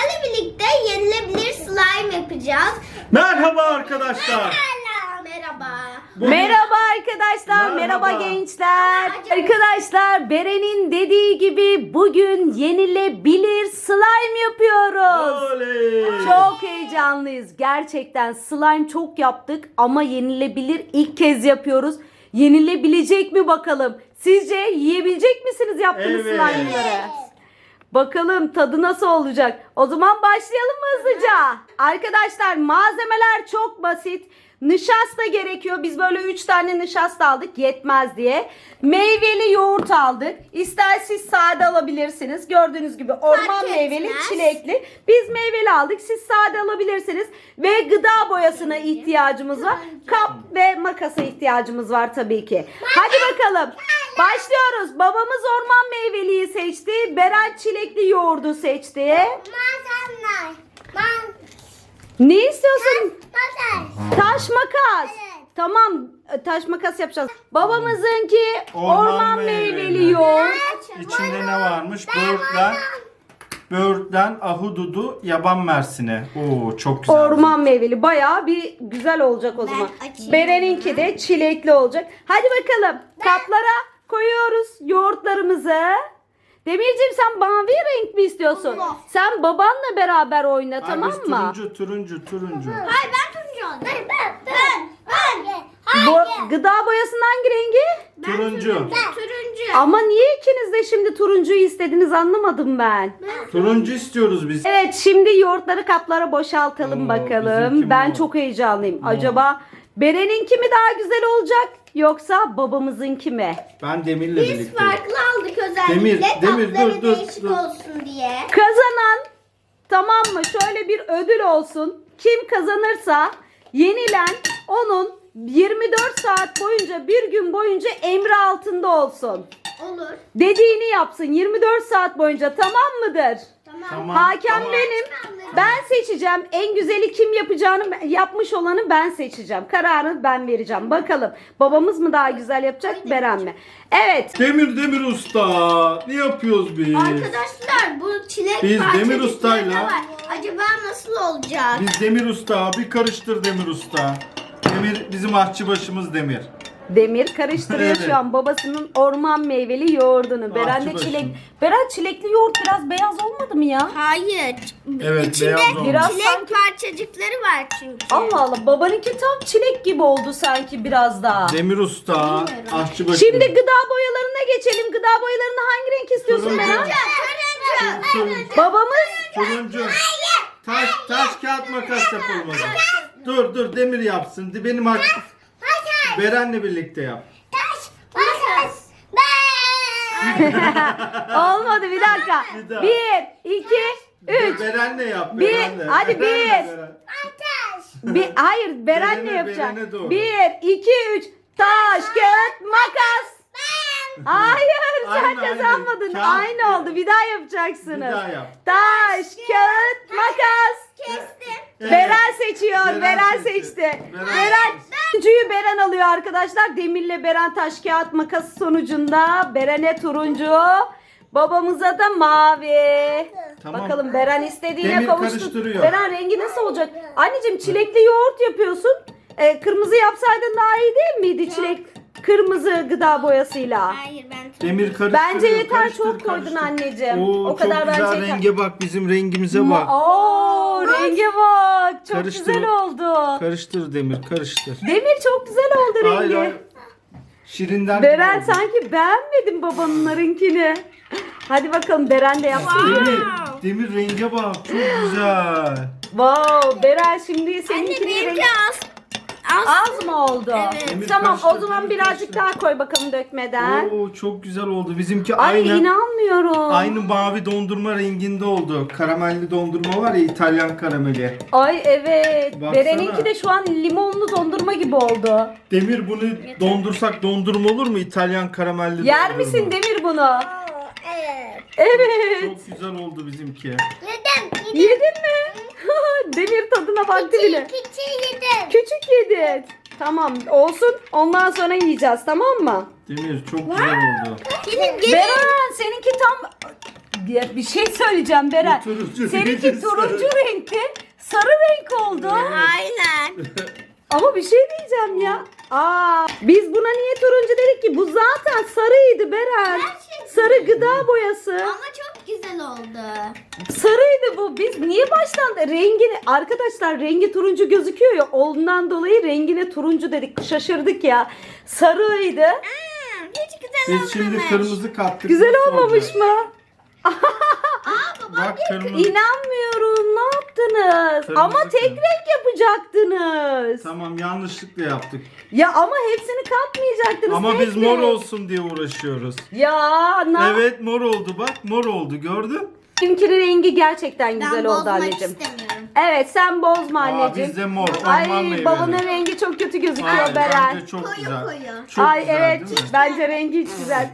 sizlerle birlikte yenilebilir slime yapacağız. Merhaba arkadaşlar. Merhaba. Merhaba arkadaşlar, merhaba gençler. Arkadaşlar, Beren'in dediği gibi bugün yenilebilir slime yapıyoruz. Oley. Çok heyecanlıyız. Gerçekten slime çok yaptık ama yenilebilir ilk kez yapıyoruz. Yenilebilecek mi bakalım? Sizce yiyebilecek misiniz yaptığınız Evet. slime'ları? Bakalım tadı nasıl olacak? O zaman başlayalım mı hızlıca? Arkadaşlar malzemeler çok basit. Nişasta gerekiyor. Biz böyle 3 tane nişasta aldık yetmez diye. Meyveli yoğurt aldık. İster siz sade alabilirsiniz. Gördüğünüz gibi orman Fark meyveli, etmez. çilekli. Biz meyveli aldık. Siz sade alabilirsiniz. Ve gıda boyasına ihtiyacımız var. Kap ve makasa ihtiyacımız var tabii ki. Hadi bakalım. Başlıyoruz. Babamız orman meyveliyi seçti. Beren çilekli yoğurdu seçti. Ne istiyorsun? Taş makas. Evet. Tamam, taş makas yapacağız. Babamızınki orman, Orman meyveli meyveli. yoğurt. İçinde ne varmış? Böğürtlen, ahududu, yaban mersini. Oo çok güzel. Orman meyveli. Bayağı bir güzel olacak o zaman. açayım. Beren'inki de çilekli olacak. Hadi bakalım. Kaplara koyuyoruz yoğurtlarımızı. Demirciğim sen mavi renk mi istiyorsun? Allah. Sen babanla beraber oyna, Ay, tamam biz mı? turuncu. Hayır ben turuncu oldum. Ben. Bu gıda boyasının hangi rengi? Turuncu. Turuncu. Ama niye ikiniz de şimdi turuncuyu istediniz anlamadım ben. Turuncu istiyoruz biz. Evet, şimdi yoğurtları kaplara boşaltalım Oo, bakalım. bizimki Ben mor. çok heyecanlıyım. Acaba Beren'inki mi daha güzel olacak yoksa babamızınki mi? Ben Demir'le Biz birlikteyim. farklı aldık özellikle. Demir, Tatları dur, değişik dur. olsun diye. Kazanan, tamam mı? Şöyle bir ödül olsun. Kim kazanırsa yenilen onun 24 saat boyunca, bir gün boyunca emri altında olsun. Olur. Dediğini yapsın 24 saat boyunca, tamam mıdır? Tamam. Hakem tamam. benim. Ben seçeceğim. En güzeli kim yapacağını, yapmış olanı ben seçeceğim. Kararını ben vereceğim. Bakalım babamız mı daha güzel yapacak, Beren mi? Evet. Demir Usta. Ne yapıyoruz biz? Arkadaşlar bu çilek Biz Demir parçacıkları Usta'yla- da var. Acaba nasıl olacak? Biz Demir Usta. Bir karıştır Demir Usta. Demir bizim aşçıbaşımız Demir. Demir karıştırıyor Evet. şu an babasının orman meyveli yoğurdunu. Beren de Ahçı çilek. başım. Beren çilekli yoğurt biraz beyaz olmadı mı ya? Hayır. Evet, İçinde beyaz olmuş. Biraz çilek sanki- parçacıkları var çünkü. Allah Allah, babanınki tam çilek gibi oldu sanki biraz daha. Demir Usta. Bilmiyorum. Aşçıbaşımız. Şimdi gıda boyalarına geçelim. Gıda boyalarını hangi renk istiyorsun Turuncu. Beren? Turuncu. Babamız Turuncu. Taş kağıt makas yapalım o zaman. Dur Demir yapsın. Benim Beren'le birlikte yap. Makas. olmadı, bir dakika. Bir daha. 1, 2, 3. Beren'le yap. Bir, Beren'le. hadi Beren'le, bir. Beren. Hayır, Beren'le Beren'e yapacağım. doğru. 1, 2, 3. Taş, kağıt, makas. Hayır, sen Aynı, kazanmadın. Kağıt. Aynı oldu. Bir daha yapacaksınız. Bir daha yap. Taş, kağıt, makas. Kestim. Evet. Beren seçiyor. Beren Beren seçti. seçti. Beren. Beren. Turuncuyu Beren alıyor arkadaşlar. Demir'le Beren taş kağıt makası sonucunda Beren'e turuncu, babamıza da mavi. Tamam. Bakalım Beren istediğine Demir kavuştu. karıştırıyor. Beren rengi nasıl olacak? Anneciğim çilekli yoğurt yapıyorsun. Kırmızı yapsaydın daha iyi değil miydi çilek? Kırmızı gıda boyasıyla. Hayır ben turuncu. Demir karıştır. Bence yeter, çok koydun anneciğim. Oo, O kadar çok güzel bence yeter. renge bak, bizim rengimize bak. Oo, renge bak. Çok Karıştır. güzel oldu. Karıştır Demir, karıştır. Demir çok güzel oldu rengi. Hayır. Şirinden Beren gibi oldu. sanki beğenmedin babanlarınkini. Hadi bakalım Beren de yapsın. Demir renge bak, çok güzel. Wow, Beren şimdi Anne seninkini benimki rengi az. az mı oldu? Evet. Demir Tamam, o karıştır, zaman demir birazcık karıştır. daha koy bakalım dökmeden. Oo, çok güzel oldu. Bizimki Ay aynı. inanmıyorum. Aynı mavi dondurma renginde oldu. Karamelli dondurma var ya, İtalyan karameli. Ay evet. Baksana. Beren'inki de şu an limonlu dondurma gibi oldu. Demir, bunu dondursak dondurma olur mu? İtalyan karamelli Yer dondurma. misin Demir bunu? Evet. Evet. Çok güzel oldu bizimki. Yedim. Yedin mi? Demir tadına baktı bile. Küçüğü yedim. Küçük yedin. Tamam olsun. Ondan sonra yiyeceğiz, tamam mı? Demir çok güzel oldu. Gelin gelin. Beren seninki tam Bir şey söyleyeceğim Beren. Bu turuncu Seninki değil, turuncu sarı. renkti. Sarı renk oldu. Aynen. Ama bir şey diyeceğim ya. Biz buna niye turuncu dedik ki? Bu zaten sarıydı Beren. Gerçekten. Sarı gıda boyası. Ama çok güzel oldu. Sarıydı bu. Biz niye baştan da rengini... Arkadaşlar rengi turuncu gözüküyor ya. Ondan dolayı rengine turuncu dedik. Şaşırdık ya. Sarıydı. Hiç güzel Biz şimdi olmamış. kırmızı kattık. Güzel nasıl olmamış olacak? mı? Bak kırmızı. İnanmıyorum. Ne yaptınız? Kırmızı Ama tek kırmızı. renk yapacaktınız. Tamam yanlışlıkla yaptık. Ya ama hepsini katmayacaktınız. Ama tek biz mor renk. olsun diye uğraşıyoruz. Ya Evet mor oldu bak mor oldu gördün. Benimkinin rengi gerçekten güzel Ben oldu bozmak anneciğim. istemiyorum. Evet sen bozma anneciğim. bizde mor, Ay orman meyveli. babanın rengi çok kötü gözüküyor Hayır, Beren. bence çok Koyu güzel. koyu. Çok Ay güzel evet değil mi? bence rengi hiç güzel.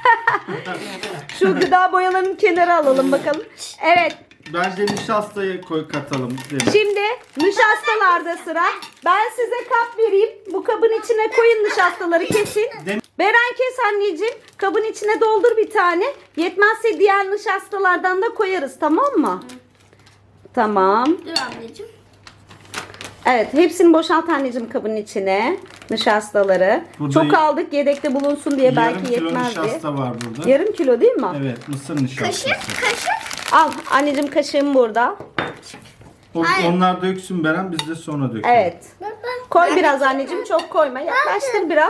Şu gıda boyalarını kenara alalım bakalım. Evet Bence nişastayı katalım. Demek. şimdi nişastalarda sıra. Ben size kap vereyim. Bu kabın içine koyun nişastaları kesin. Beren kes anneciğim. Kabın içine doldur bir tane. Yetmezse diğer nişastalardan da koyarız tamam mı? Tamam. Dur ablacığım. Evet hepsini boşalt anneciğim kabın içine. Nişastaları. Burada Çok aldık yedekte bulunsun diye belki Yarım kilo yetmez diye. nişasta var burada. Yarım kilo değil mi? Evet mısır nişastası. Kaşık. Al anneciğim kaşığım burada. Hayır. Onlar döksün Beren biz de sonra dökelim. Evet. Koy biraz anneciğim çok koyma. Yaklaştır biraz.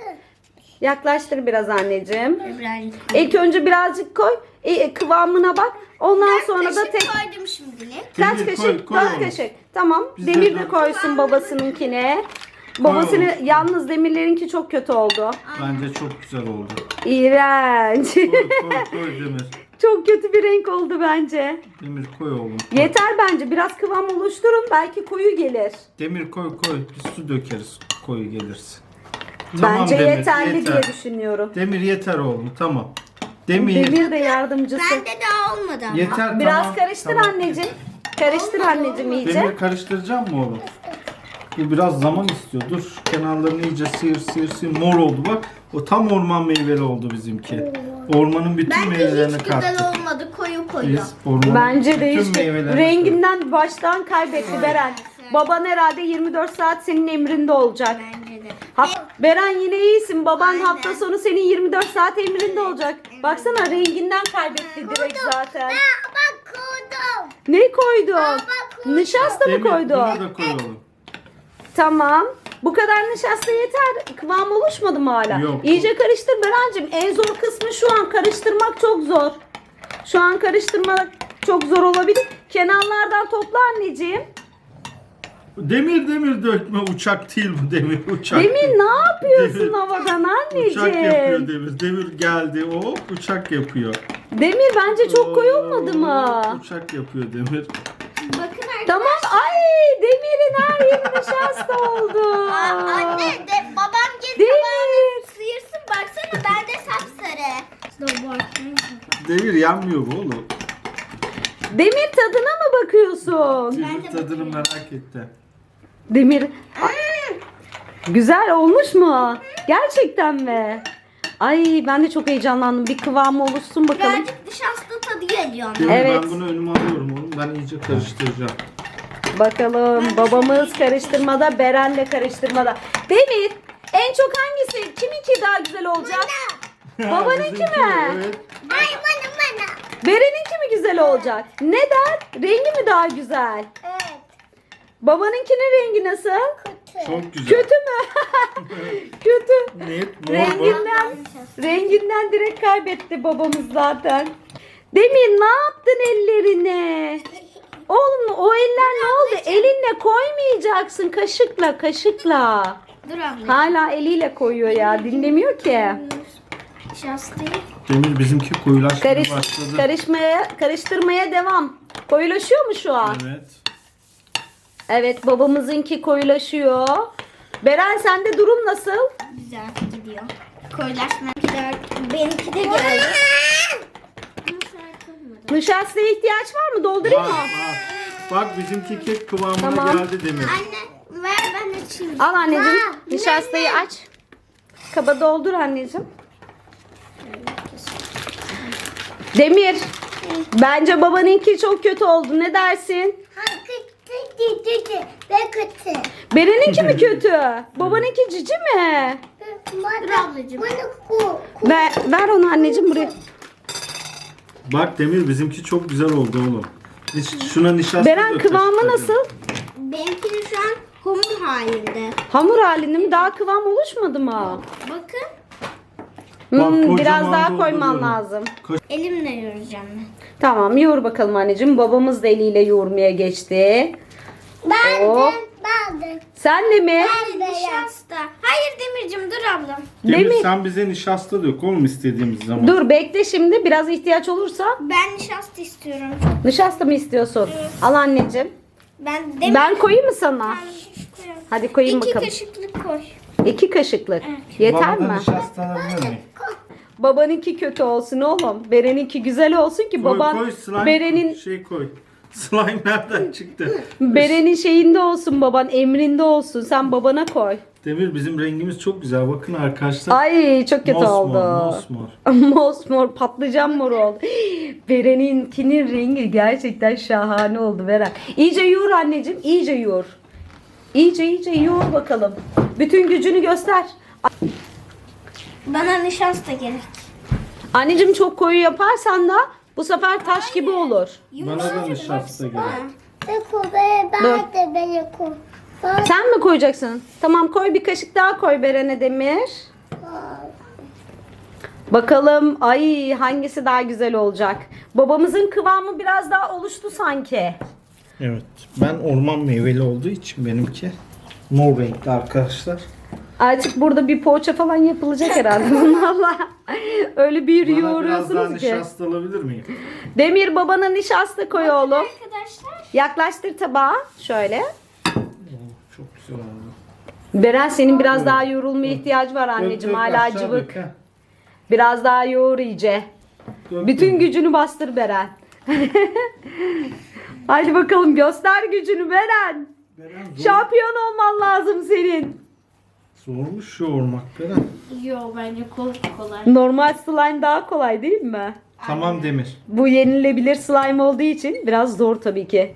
Yaklaştır biraz anneciğim. Birazcık. İlk önce birazcık koy. Kıvamına bak. Ondan sonra da tek koydum şimdilik. kaç Demir, kaşık? koy 4 oğlum. kaşık. Tamam. Biz de Demir de dört. koysun babasınınkine. Babasını oğlum. yalnız Demirlerinki çok kötü oldu. Bence çok güzel oldu. İğrenç. Koy Demir. Çok kötü bir renk oldu bence. Demir koy oğlum. Koy. Yeter bence. Biraz kıvam oluşturun. Belki koyu gelir. Demir koy. Biz su dökeriz koyu gelirse. Bence Demir, yeterli yeter. diye düşünüyorum. Demir yeter oğlum tamam. Demir. Demir de yardımcısı. Bende daha olmadı ama. Yeter Biraz tamam. karıştır tamam. anneciğim. Karıştır anneciğim iyice. Demir karıştıracağım mı oğlum? Bu biraz zaman istiyor. Dur şu kenarlarını iyice sıyır. Mor oldu bak. O tam orman meyveli oldu bizimki. Ormanın bütün Bence meyvelerini hiç güzel kattık. olmadı. Koyu. Biz ormanın Bence de bütün hiç meyvelerini renginden baştan kaybetti Beren. Baban herhalde 24 saat senin emrinde olacak. Bence de. Beren yine iyisin. Baban Aynen. hafta sonu senin 24 saat emrinde olacak. Baksana renginden kaybetti direkt zaten. Bak koydum. Ne koydun? bak koydum. Nişasta mı Demir, koydun? Bunu da koy oğlum. Tamam. Bu kadar nişasta yeter. Kıvam oluşmadı mı hala? Yok. İyice karıştır Berencim. En zor kısmı şu an karıştırmak çok zor. Şu an karıştırmak çok zor olabilir. Kenarlardan topla anneciğim. Demir dökme uçak değil bu Demir uçak. Demir ne yapıyorsun Demir. havadan anneciğim? Uçak yapıyor Demir. Demir geldi o uçak yapıyor. Demir bence çok koyu olmadı mı? Uçak yapıyor Demir. Bakın arkadaşlar. Tamam. Ay Demir'in her yeri nişasta oldu. Anne de babam gelip Demir. sıyırsın baksana bende sapsarı. Demir yanmıyor bu oğlum. Demir tadına mı bakıyorsun? Demir tadını merak etti. Demir. Güzel olmuş mu? Gerçekten mi? Ay ben de çok heyecanlandım. Bir kıvamı oluşsun bakalım. Birazcık nişasta tadı geliyor. Evet. ama. Evet. Ben bunu önüme alıyorum oğlum. Ben iyice karıştıracağım. Bakalım babamız karıştırmada, Beren de karıştırmada. Demir en çok hangisi? Kiminki daha güzel olacak? Babanınki Bizimki, mi? Evet. Ay bana. Beren'inki mi güzel olacak? Neden? Rengi mi daha güzel? Evet. Babanınkinin rengi nasıl? Çok güzel. Kötü mü? Kötü. Net mor bu. Renginden direkt kaybetti babamız zaten. Demir ne yaptın ellerine? Oğlum o eller ne oldu? Elinle koymayacaksın. Kaşıkla. Dur abla. Hala eliyle koyuyor ya. Dinlemiyor ki. Nişastayı. Demir bizimki koyulaşmaya başladı. Karıştırmaya devam. Koyulaşıyor mu şu an? Evet. Evet babamızınki koyulaşıyor. Beren sende durum nasıl? Güzel gidiyor. Koyulaşmakiler benimki de geldi. Nişastaya ihtiyaç var mı? Doldurayım Bak, mı? bak bizimki kek kıvamına Tamam. geldi Demir. Anne ver ben açayım. Al anneciğim. Aa, Nişastayı aç. Kaba doldur anneciğim. Demir. Bence babanınki çok kötü oldu. Ne dersin? Beren'inki mi kötü? Babanınki cici mi? Dur ablacığım. Ver onu anneciğim buraya. Bak Demir bizimki çok güzel oldu oğlum. Şuna nişasta Beren dökeceğiz kıvamı tabii. nasıl? Benimki de şu an hamur halinde. Hamur halinde mi? Daha kıvam oluşmadı mı? Bakın. Bak, Biraz kocaman daha koyman dolduruyorum. lazım. Elimle yoğuracağım ben. Tamam yoğur bakalım anneciğim. Babamız da eliyle yoğurmaya geçti. Hop. Sen de mi? Nişasta. Hayır Demircim dur ablam. Demir Demir. sen bize nişasta dök oğlum istediğimiz zaman. Dur bekle şimdi. Biraz ihtiyaç olursa. Ben nişasta istiyorum. Nişasta mı istiyorsun? Al anneciğim. Ben koyayım mı sana? koyarım. Hadi koyayım İki bakalım. kaşıklık koy. 2 kaşıklık. Yeter Bana da mi? nişasta alabilir miyim? Babanınki kötü olsun oğlum. Beren'inki güzel olsun ki baban Koy slime Beren'in koy. Slime nereden çıktı? Beren'in şeyinde olsun baban, emrinde olsun. Sen babana koy. Demir bizim rengimiz çok güzel. Bakın arkadaşlar. Ay çok kötü oldu. Mosmor. Mosmor, patlıcan mor oldu. Beren'inkinin rengi gerçekten şahane oldu Beren. İyice yoğur anneciğim, iyice yoğur. İyice yoğur bakalım. Bütün gücünü göster. Bana nişasta gerek. Anneciğim çok koyu yaparsan da bu sefer taş gibi olur. Bana da nişasta gerek. Sen mi koyacaksın? Tamam koy bir kaşık daha koy Beren'e Demir. Bakalım ay hangisi daha güzel olacak. Babamızın kıvamı biraz daha oluştu sanki. Evet. Ben orman meyveli olduğu için benimki mor renkli arkadaşlar. Artık burada bir poğaça falan yapılacak herhalde bunlarla. Öyle bir Bana biraz daha yoğuruyorsunuz ki. nişasta alabilir miyim? Demir babana nişasta koy oğlum. Arkadaşlar. Yaklaştır tabağa şöyle. Çok güzel oldu. Beren senin biraz daha yoğrulmaya ihtiyacı var anneciğim. Hala aşağı cıvık. dök, ha. Biraz daha yoğur iyice. Dök, Bütün dök. gücünü bastır Beren. Hadi bakalım göster gücünü Beren. Beren, zor. Şampiyon olman lazım senin. Zormuş yoğurmak Beren. Yo bence kolay. Normal slime daha kolay değil mi? Tamam Demir. Bu yenilebilir slime olduğu için biraz zor tabii ki.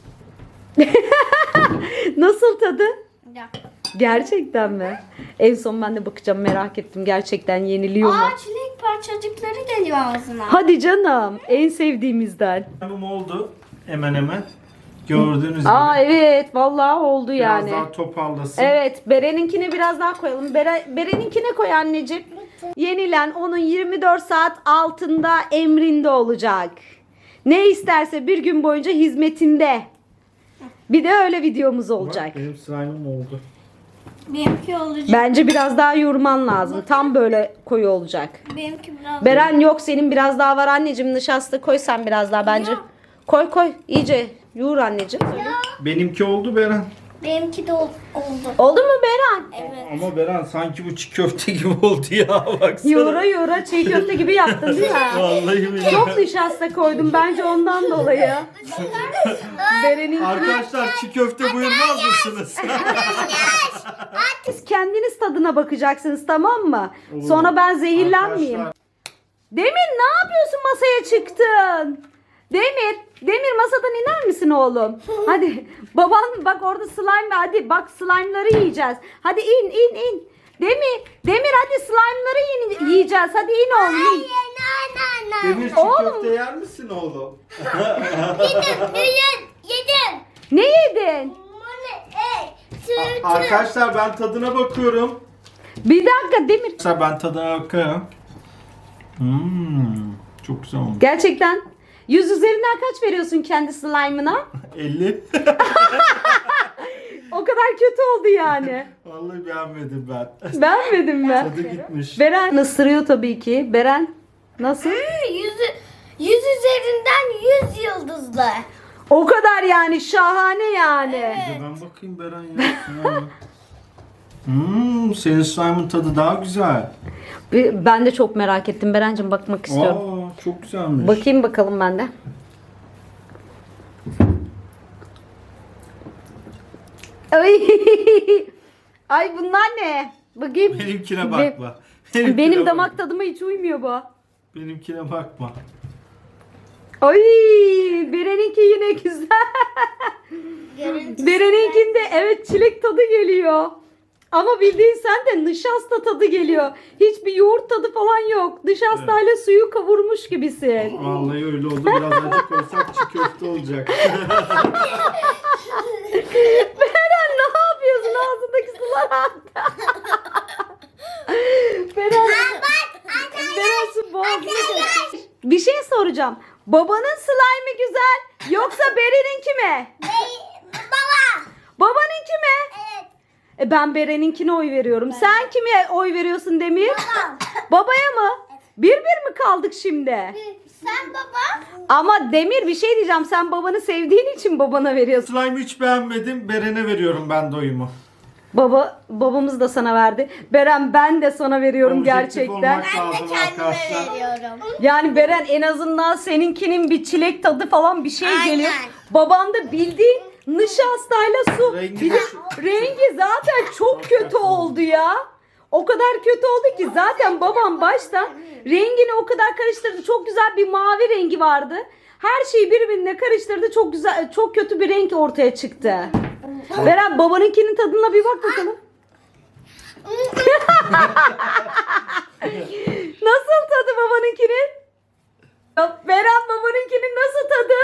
Nasıl tadı? Ya. Gerçekten mi? En son ben de bakacağım merak ettim. Gerçekten yeniliyor mu? Çilek parçacıkları geliyor ağzına. Hadi canım. En sevdiğimizden. Tamam oldu. Hemen hemen. Gördüğünüz gibi. Aa evet vallahi oldu Biraz yani. daha toparlasın. Evet Beren'inkine biraz daha koyalım. Beren'inkine koy anneciğim. Yenilen onun 24 saat altında emrinde olacak. Ne isterse bir gün boyunca hizmetinde. Bir de öyle videomuz olacak. Bak, benim slime'ım oldu. Benimki olacak. Bence biraz daha yoğurman lazım. Tam böyle koyu olacak. Benimki biraz. Beren yok senin biraz daha var anneciğim. Nişasta koy sen biraz daha bence. Yok. Koy iyice yoğur anneciğim. Benimki oldu Beren. Benimki de oldu. Oldu mu Beren? Evet. Ama Beren sanki bu çiğ köfte gibi oldu ya. Baksana. Yoğura çiğ köfte gibi yaptın değil mi? Vallahi billahi. Çok nişasta koydum bence ondan dolayı. Beren'in Arkadaşlar çiğ köfte buyurmaz mısınız? siz kendiniz tadına bakacaksınız tamam mı? Sonra ben zehirlenmeyeyim. Arkadaşlar, Demir ne yapıyorsun masaya çıktın? Demir masadan iner misin oğlum? Hadi baban bak orada slime var. Hadi bak slime'ları yiyeceğiz. Hadi in. Demir hadi slime'ları yiyeceğiz. Hadi in oğlum in. Demir çiğ Oğlum. köfte yer misin oğlum? Yedim. Ne yedin? Arkadaşlar ben tadına bakıyorum. Bir dakika Demir. Arkadaşlar ben tadına bakıyorum. Çok güzel olmuş. Gerçekten 100 üzerinden kaç veriyorsun kendi slime'ına? 50. O kadar kötü oldu yani. Vallahi beğenmedim ben. Beğenmedin mi? Tadı gitmiş. Beren ısırıyor tabii ki. Beren nasıl? 100 üzerinden 100 yıldızlı. O kadar yani şahane yani. Bir de ben bakayım Beren ya. Senin slime'ın tadı daha güzel. Ben de çok merak ettim Berencim bakmak istiyorum. Çok güzelmiş. Bakayım bakalım ben de. Ay. Ay bunlar ne? Bakayım. Benimkine bakma. Benim damak tadıma hiç uymuyor bu. Benimkine bakma. Ay, Beren'inki yine güzel. Görüntüsü Beren'inkinde evet çilek tadı geliyor. Ama bildiğin sen de nişasta tadı geliyor. Hiçbir yoğurt tadı falan yok. Nişastayla suyu kavurmuş gibisin. Vallahi öyle oldu. Biraz acı koysak çiğ köfte olacak. Beren ne yapıyorsun? Ağzındaki sular aktı. Beren su boğazına kaçtı. Bir şey soracağım. Babanın slime'ı güzel yoksa Beren'inki mi? Baba. Babanınki mi? Evet. Ben Beren'inkine oy veriyorum. Sen kime oy veriyorsun Demir? Babam. Babaya mı? Bir mi kaldık şimdi? Sen baba. Ama Demir bir şey diyeceğim. Sen babanı sevdiğin için babana veriyorsun. Slime'ı hiç beğenmedim. Beren'e veriyorum ben de oyumu. Babamız da sana verdi. Beren ben de sana veriyorum Objektif gerçekten. olmak Ben de lazım kendime arkadaşlar. veriyorum. Yani Beren en azından seninkinin bir çilek tadı falan bir şey Aynen. geliyor. Baban da bildiğin nişastayla su. Rengi Bir de şu- rengi zaten çok kötü oldu ya. O kadar kötü oldu ki zaten babam başta rengini o kadar karıştırdı. Çok güzel bir mavi rengi vardı. Her şeyi birbirine karıştırdı. Çok güzel, çok kötü bir renk ortaya çıktı. Beren babanınkinin tadına bir bak bakalım. Nasıl tadı babanınkinin? Beren babanınkinin nasıl tadı?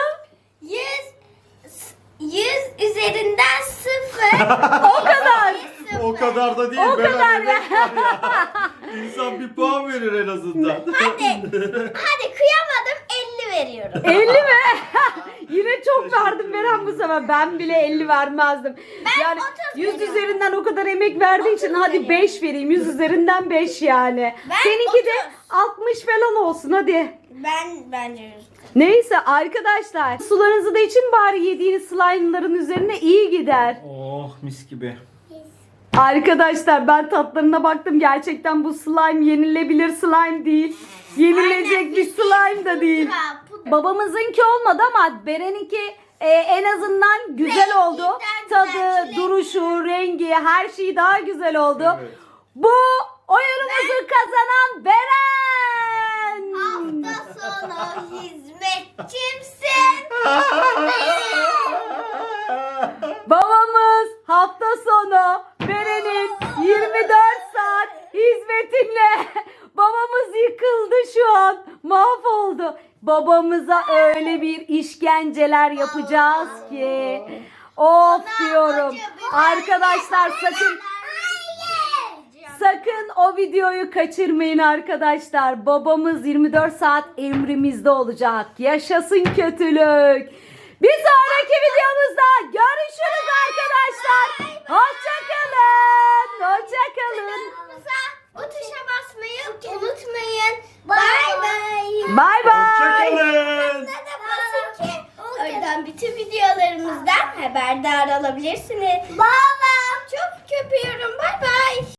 100 üzerinden 0. O kadar. O kadar da değil. O Beren kadar emek var ya. İnsan bir puan verir en azından. Hadi kıyamadım 50 veriyorum. 50 mi? Yine çok verdim Beren bu sefer. Ben bile 50 vermezdim. Yani 30 100 veriyorum. üzerinden o kadar emek verdiği için 30 hadi veriyorum. 5 vereyim. 100 üzerinden 5 yani. Ben Seninki de 30. 60 falan olsun hadi. Bence 100. Neyse arkadaşlar sularınızı da için bari yediğiniz slime'ların üzerine iyi gider. Oh mis gibi. Arkadaşlar ben tatlarına baktım. Gerçekten bu slime yenilebilir slime değil. Yenilecek bir slime da değil. Babamızınki olmadı ama Beren'inki en azından güzel oldu. Renginden güzel, Tadı, çilek. duruşu, rengi her şey daha güzel oldu. Evet. Bu oyunumuzu kazanan Beren. Hafta sonu hizmetçimsin. Babamız hafta sonu Beren'in 24 saat hizmetinle babamız yıkıldı şu an. Mahvoldu. Babamıza öyle bir işkenceler yapacağız ki. Of diyorum. Arkadaşlar sakın o videoyu kaçırmayın arkadaşlar. Babamız 24 saat emrimizde olacak. Yaşasın kötülük. Bir sonraki videomuzda görüşürüz arkadaşlar. Hoşçakalın. Hoşçakalın. O tuşa basmayı unutmayın. Bay bay. Bay bay. Hoşçakalın. Da basın ki oradan bütün videolarımızdan haberdar olabilirsiniz. Baba çok köpüyorum. Bay bay.